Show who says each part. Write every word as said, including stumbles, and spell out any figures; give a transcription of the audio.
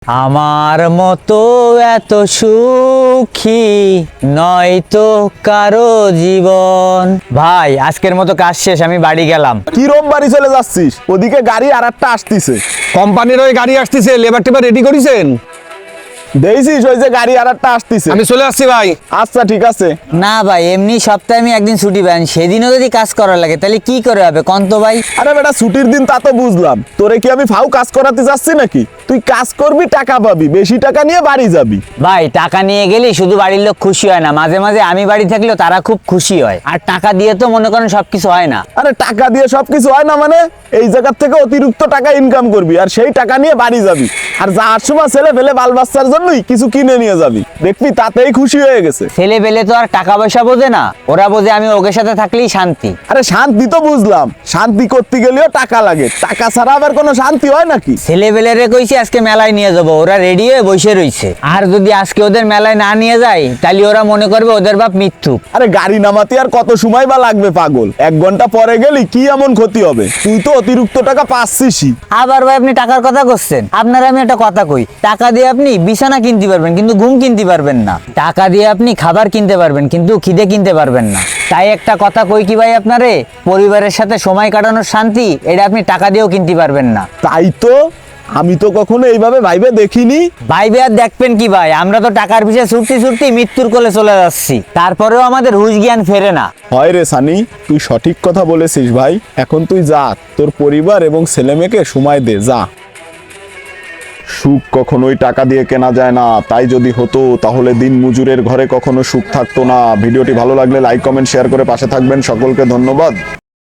Speaker 1: আমার মতো এত সুখী নয়তো কারো জীবন। ভাই আজকের মতো কাজ শেষ, আমি বাড়ি গেলাম।
Speaker 2: কি রোম বাড়ি চলে যাচ্ছিস? ওদিকে গাড়ি আর একটা আসতিছে।
Speaker 3: কোম্পানির ওই গাড়ি আসতেছে, লেবার টেবার রেডি করেছেন?
Speaker 2: দেখছিস ওই যে গাড়ি আর একটা আসতিছে।
Speaker 3: আমি চলে আসছি ভাই।
Speaker 2: আচ্ছা ঠিক আছে।
Speaker 1: না ভাই, এমনি সপ্তাহে আমি একদিন ছুটি পাই, সেদিনও যদি কাজ করার লাগে তাহলে কি করে হবে কন তো ভাই?
Speaker 2: আরে বেটা ছুটির দিন তা তো বুঝলাম, তোরে কি আমি ফাউ কাজ করাতে যাচ্ছি নাকি? তুই কাজ করবি, টাকা পাবি, বেশি টাকা নিয়ে বাড়ি যাবি।
Speaker 1: ভাই টাকা নিয়ে গেলে শুধু বাড়ির লোক খুশি হয় না, মাঝে মাঝে আমি বাড়ি থাকলেও তারা খুব খুশি হয়। আর টাকা দিয়ে তো মনে করেন সবকিছু হয় না।
Speaker 2: আরে টাকা দিয়ে সবকিছু হয় না মানে? এই জায়গার থেকে অতিরিক্ত টাকা ইনকাম করবি আর সেই টাকা নিয়ে বাড়ি যাবি, আর যাওয়ার সময় ছেলে ফেলে বাল বাচ্চার জন্যই কিছু কিনে নিয়ে যাবি, দেখবি তাতেই খুশি হয়ে গেছে।
Speaker 1: ছেলে পেলে তো আর টাকা পয়সা বোঝে না, ওরা বোঝে আমি ওকে সাথে থাকলেই শান্তি।
Speaker 2: আরে শান্তি তো বুঝলাম, শান্তি করতে গেলেও টাকা লাগে, টাকা ছাড়া আবার কোনো শান্তি হয় নাকি?
Speaker 1: ছেলে পেলেরে কইছি আজকে মেলায় নিয়ে যাবো, ওরা রেডি হয়ে বসে রইছে। আর যদি আজকে ওদের মেলায় না নিয়ে যায় তাহলে ওরা মনে করবে ওদের বাপ মৃত্যু।
Speaker 2: আরে গাড়ি নামাতে আর কত সময় বা লাগবে পাগল? এক ঘন্টা পরে গেলি কি এমন ক্ষতি হবে? তুই তো অতিরিক্ত টাকা পাচ্ছিসই।
Speaker 1: আবার ভাই আপনি টাকার কথা করছেন, আপনার আমি একটা কথা কই, টাকা দিয়ে আপনি বিছানা কিনতে পারবেন কিন্তু ঘুম কিনতে পারবেন না। টাকা দিয়ে আপনি খাবার কিনতে পারবেন কিন্তু খিদে কিনতে পারবেন না। তাই একটা কথা কই কি ভাই আপনারে, পরিবারের সাথে সময় কাটানোর শান্তি এটা আপনি টাকা দিয়েও কিনতে পারবেন না।
Speaker 2: তাই তো, আমি তো কখনো এইভাবে ভাইবে দেখিনি।
Speaker 1: ভাইবে আর দেখবেন কি ভাই, আমরা তো টাকার পিছিয়ে ছুটতে ছুটতে মৃত্যুর কোলে চলে যাচ্ছি, তারপরেও আমাদের হুঁশ জ্ঞান ফেরে না।
Speaker 2: হয় রে সানি, তুই সঠিক কথা বলেছিস ভাই। এখন তুই যা, তোর পরিবার এবং ছেলে মেয়েকে সময় দে, যা। সুখ কখনোই টাকা দিয়ে কেনা যায় না, তাই যদি হতো তাহলে দিন মজুরের ঘরে কখনো সুখ থাকতো না। ভিডিওটি ভালো লাগলে লাইক কমেন্ট শেয়ার করে পাশে থাকবেন। সকলকে ধন্যবাদ।